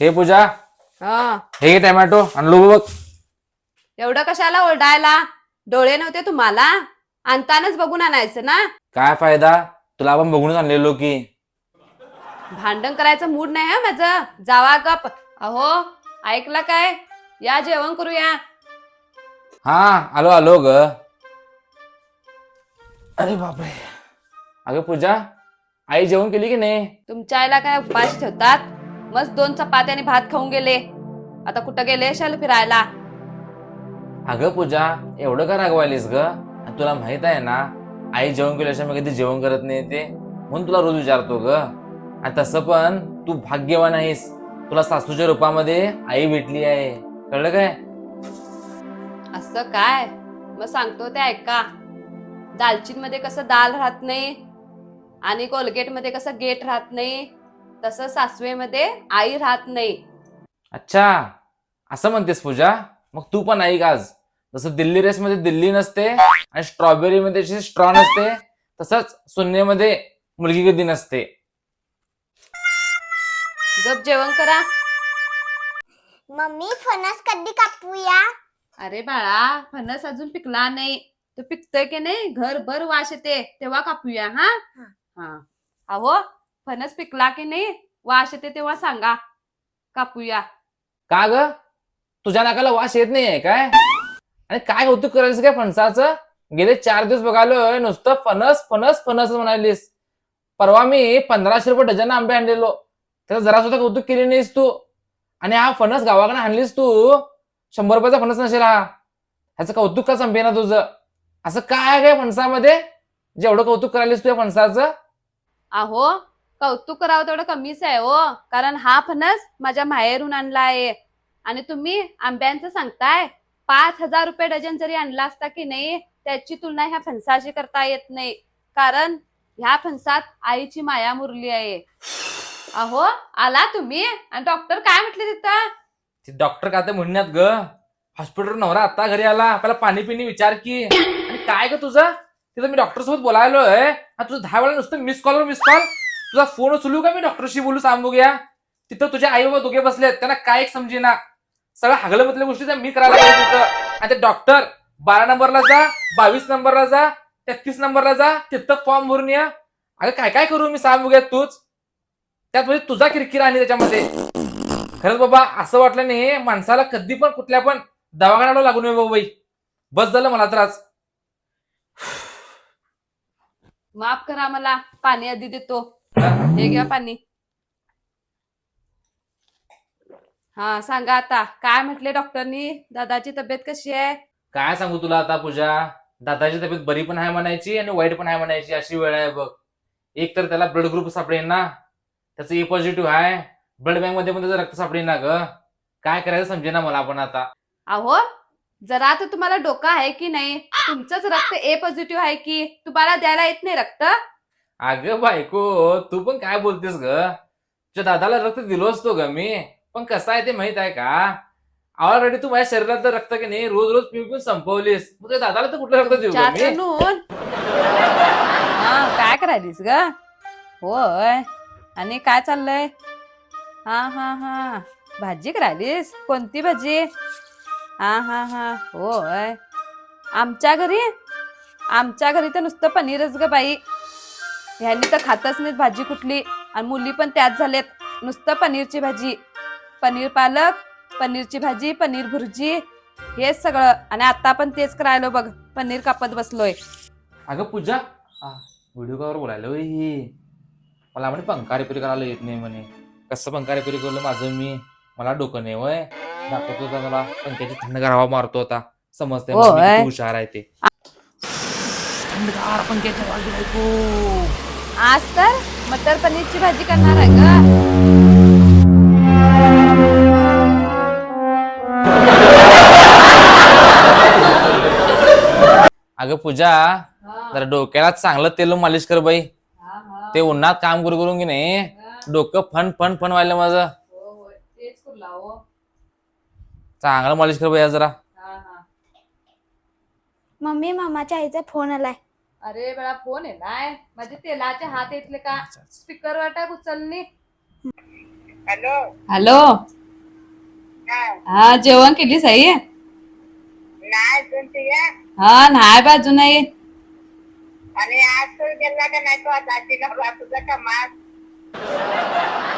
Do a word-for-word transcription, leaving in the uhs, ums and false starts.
हे पूजा, हा हे टोमॅटो आणलो बघ. एवढं कशाला ओरडायला? डोळे नव्हते तुम्हाला? आणतानाच बघून आणायचं ना. काय फायदा, तुला आपण बघूनच आणलेलो की. भांडण करायचं मूड नाही हा माझं. जावा गप. अहो ऐकलं काय? या जेवण करूया. हा आलो आलो ग. अरे बापरे. अगं पूजा, आई जेवण केली की नाही? तुमच्या आईला काय उपाशी ठेवतात? मस्त दोन चपात्या आणि भात खाऊन गेले. आता कुठं गेले शाल फिरायला? अगं पूजा, एवढं का रागवायलीस ग? आणि तुला माहित आहे ना, आई जेवण केल्याशिवाय मी कधी जेवण करत नाही ते, म्हणून तुला रोज विचारतो ग. आणि तसं पण तू भाग्यवान आहेस, तुला सासूच्या रूपामध्ये आई भेटली आहे, कळलं काय? असं काय? मग सांगतो ते ऐका. दालचीन मध्ये कसं दाल राहत नाही आणि कोलगेट मध्ये कसं गेट राहत नाही, तसं सासवेमध्ये आई राहत नाही. अच्छा, असं म्हणतेस पूजा? मग तू पण ऐक आज. जसं दिल्ली रेस मध्ये दिल्ली नसते आणि स्ट्रॉबेरी मध्ये स्ट्रॉ नसते, तसंच शून्यमध्ये मुलगी कधी नसते. गप जेवण करा. मम्मी फणस कधी कापूया? अरे बाळा, फणस अजून पिकला नाही. तो पिकतोय की नाही घरभर वास येते, तेव्हा कापूया. हा हा अहो, फणस पिकला की नाही वास येते तेव्हा सांगा, कापूया. का ग, तुझ्या नाकाला वास येत नाहीये काय? आणि काय कौतुक करायचं काय फणसाचं? गेले चार दिवस बघालोय नुसतं फणस फणस फणस म्हणालीस. परवा मी पंधराशे रुपये डझन आंबे आणलेलो, त्याचं जरा सुद्धा कौतुक केली नाहीस तू. आणि हा फणस गावाकडे आणलीस तू, शंभर रुपयाचा फणस नसेल हा. ह्याचं कौतुक का संपे ना तुझं? असं काय काय फणसामध्ये जेवढं कौतुक करायलीस तुझ्या फणसाचं? अहो, कौतुक करावं तेवढं कमीच आहे हो, कारण हा फणस माझ्या माहेरून आणला आहे. आणि तुम्ही आंब्यांचं सांगताय. पाच हजार रुपये डझन जरी आणला असता की नाही, त्याची तुलना ह्या फणसाशी करता येत नाही, कारण ह्या फणसात आईची माया मुरली आहे. अहो आला तुम्ही, आणि डॉक्टर काय म्हटले तिथं? डॉक्टर का ते म्हणण्यात ग, हॉस्पिटल नवरा आता घरी आला, पहिला पाणी पिणी विचार की. आणि काय ग तुझं तिथं मी डॉक्टर सोबत बोलायलोय, तुझं दहा वेळा नुसतं मिस कॉल मिस कॉल. तुझा फोन उचलू का मी डॉक्टरशी बोलू सांगू घ्या? तिथं तुझे आई बाबा दोघे बसलेत, त्यांना काय एक समजेना. सगळं हागलं मधल्या गोष्टी त्या मी करायला पाहिजे तिथं. आणि ते डॉक्टर बारा नंबरला जा, बावीस नंबरला जा, तेहतीस नंबरला जा, तिथं फॉर्म भरून या. अगं काय काय करू मी सांगू घ्या तूच? त्यात म्हणजे तुझा किरकिरा आणि त्याच्यामध्ये. खरंच बाबा, असं वाटलं नाही माणसाला कधी पण कुठल्या पण दवाखान्याला लागू नये बाबाई. बस झालं मला त्रास. माफ करा, मला पाणी आधी देतो. हे घ्या पाणी. हा सांगा आता, काय म्हटले डॉक्टरनी? दादाची तब्येत कशी आहे? काय सांगू तुला आता पूजा, दादाची तब्येत बरी पण आहे म्हणायची आणि वाईट पण आहे म्हणायची, अशी वेळ आहे बघ. एक तर त्याला ब्लड ग्रुप सापडेल ना, त्याचं ए पॉझिटिव्ह आहे. ब्लड बँक मध्ये पण त्याचं रक्त सापडेल ना ग. काय करायचं समजे ना मला पण आता. अहो, जरा तर तुम्हाला डोकं आहे की नाही? तुमचंच रक्त ए पॉझिटिव्ह आहे की, तुम्हाला द्यायला येत नाही रक्त? अगं बायको, तू पण काय बोलतेस ग? तुझ्या दादाला रक्त दिलो असतो ग मी, पण कसं आहे ते माहित आहे का? ऑलरेडी तू माझ्या शरीरातलं रक्त की नाही रोज रोज पिऊन पिऊन संपवलीस, तुझ्या दादाला तर कुठलं रक्त देऊ ग मी? चाचणून हा काय करायलीस ग? होय, आणि काय चाललंय? हा हा हा भाजी करायलीस? कोणती भाजी? हा हा हा होय. आमच्या घरी आमच्या घरी तर नुसतं पनीरच ग बाई. ह्यांनी तर खातच नाहीत भाजी कुठली, आणि मुली पण त्याच झाल्यात, नुसतं पनीरची भाजी. पनीर पालक, पनीरची भाजी, पनीर भुर्जी, हेच सगळं. आणि आता पण तेच करायलो बघ, पनीर कापत बसलोय. अगं पूजा, व्हिडिओ कॉलवर बोलायला होय ही. मला म्हणे पंखा रिपेअर करायला येत नाही म्हणे. कसं पंखा रिपेअर केलं माझं मी? मला डोकं नाही वय. दाखवतो होता मला पंख्याची थंडगार हवा मारतो होता, समजते मला मी किती हुशार आहे ते. थंडगार पंख्याची हवा बायको. आज तर मटर पनीरची भाजी करणार आहे ग. अगं पूजा, जरा डोक्याला चांगलं तेल मालिश कर बाई. ते उन्हात काम करू करून की नाही डोकं फन फन फन व्हायला माझं. चांगलं मालिश कर बाई जरा. मम्मी मामाच्या आईचा फोन आलाय. अरे बळा, फोन आहे नाय माझे तेलाचे हात येतले का? स्पीकर वर टाक, उचलनी. हॅलो हॅलो हा हा जेवण केलीस आई नाही अजून तुझ्या हा नाही बा अजून आई आणि आज तू गेला का नाही तो आज आजी नवरा तुझा का मास